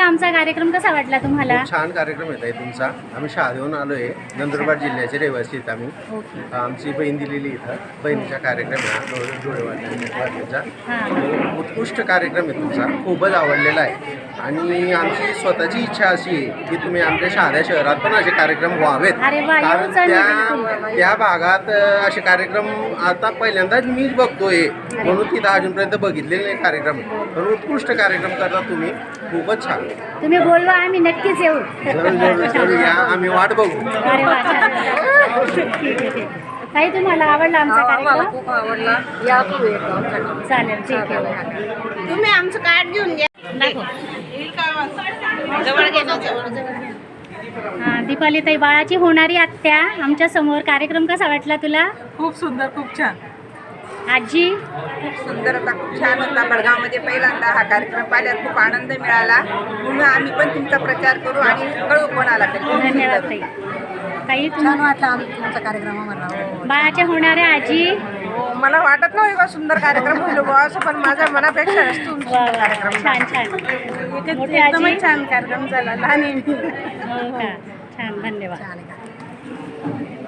काका आमचा कार्यक्रम कसा वाटला तुम्हाला? खूप छान कार्यक्रम येत आहे तुमचा. आम्ही शहादेहून आलो आहे. नंदुरबार जिल्ह्याचे रहिवासी आहेत आम्ही. ओके. आमची बहीण दिलेली इथं बहिणीचा कार्यक्रम आहे डोळेवाडीचा. हां. उत्कृष्ट कार्यक्रम आहे तुमचा. खूपच आवडलेला आहे आणि आमची स्वतःची इच्छा अशी आहे की तुम्ही आमच्या शहाद्या शहरात पण असे कार्यक्रम व्हावेत. अरे वा, कारण येऊच आम्ही बिलकुल. त्या भागात असे कार्यक्रम आता पहिल्यांदाच मीच बघतोय, म्हणून तिथं अजूनपर्यंत बघितलेले नाही कार्यक्रम. तर उत्कृष्ट कार्यक्रम करता तुम्ही. खूपच छान. तुम्ही बोलवा, आम्ही नक्कीच येऊ. जरूर जरूर जरूर या. आम्ही वाट बघू. अरे वा, छान. ठीक आहे. ताई तुम्हाला आवडला आमचा कार्यक्रम? खूप आवडला. या तू येतो. चालेल, ठीक आहे. तुम्ही आमचं कार्ड घेऊन घ्या. दाखव. जवळ घे ना, जवळ. हां, दीपाली ताई बाळाची होणारी आत्या आमच्या समोर. कार्यक्रम कसा वाटला तुला? खूप सुंदर, खूप छान. आजी खूप सुंदर होता, खूप छान होता. बडगावमध्ये पहिल्यांदा हा कार्यक्रम पाहिल्यावर खूप आनंद मिळाला. म्हणून आम्ही पण तुमचा प्रचार करू आणि कळू कोणाला तरी. खूप धन्यवाद सुंदर. ताई. ताई छान वाटला तुमचा कार्यक्रम आम्हाला. बाळाच्या होणाऱ्या आजी. मला वाटत नव्हतं का सुंदर कार्यक्रम होईल बुवा असं, पण माझ्या मनापेक्षा वा वा, कार्यक्रम छान छान. मोठी आजी. एकदमच छान कार्यक्रम झाला. लहान हो का, छान, धन्यवाद. छान आहे.